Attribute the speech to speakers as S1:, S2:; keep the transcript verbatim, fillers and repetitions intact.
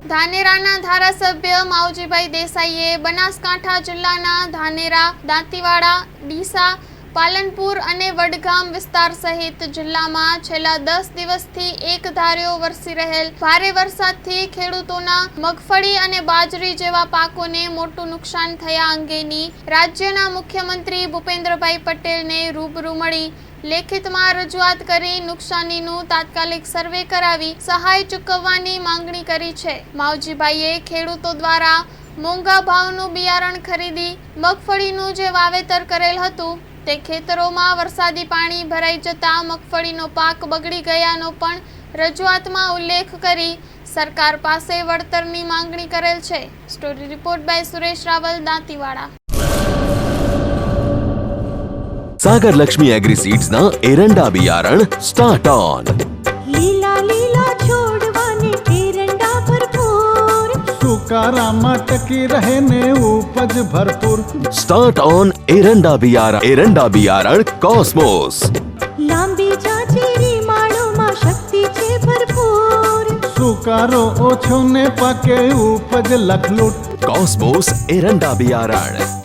S1: ધાનેરાના ધારાસભ્ય માવજીભાઈ દેસાઈએ બનાસકાંઠા જિલ્લાના ધાનેરા, દાંતીવાડા, ડીસા, પાલનપુર અને વડગામ વિસ્તાર સહિત જિલ્લામાં છેલ્લા દસ દિવસથી એકધાર્યો વરસી રહેલ ભારે વરસાદથી ખેડૂતોના મગફળી અને બાજરી જેવા પાકોને મોટું નુકસાન થયા અંગેની રાજ્યના મુખ્યમંત્રી ભૂપેન્દ્રભાઈ પટેલને રૂબરૂ મળી લેખિતમાં રજૂઆત કરી નુકસાનીનું તાત્કાલિક સર્વે કરાવી સહાય ચૂકવવાની માંગણી કરી છે। માવજીભાઈએ ખેડૂતો દ્વારા મોંઘા ભાવનું બિયારણ ખરીદી મગફળીનું જે વાવેતર કરેલ હતું તે ખેતરોમાં વરસાદી પાણી ભરાઈ જતા મગફળીનો પાક બગડી ગયાનો પણ રજૂઆતમાં ઉલ્લેખ કરી સરકાર પાસે વળતરની માંગણી કરેલ છે। Story report by Suresh Rawal, Dantiwada.
S2: Sagar Lakshmi Agriseeds ना एरंडा बियारण स्टार्ट ऑन।
S3: લીલા લીલા છોડવાને એરંડા ભરપૂર, સુકારામાં ટકી રહે ને ઉપજ ભરપૂર।
S2: स्टार्ट ऑन एरंडा बियारण। एरंडा बियारण कॉस्मोस।
S3: લાંબી જાચેરી માળોમાં શક્તિ છે ભરપૂર,
S4: સુકારો ઓછો ને પાકે ઉપજ લખલૂટ।
S2: कॉस्मोस एरंडा बियारण।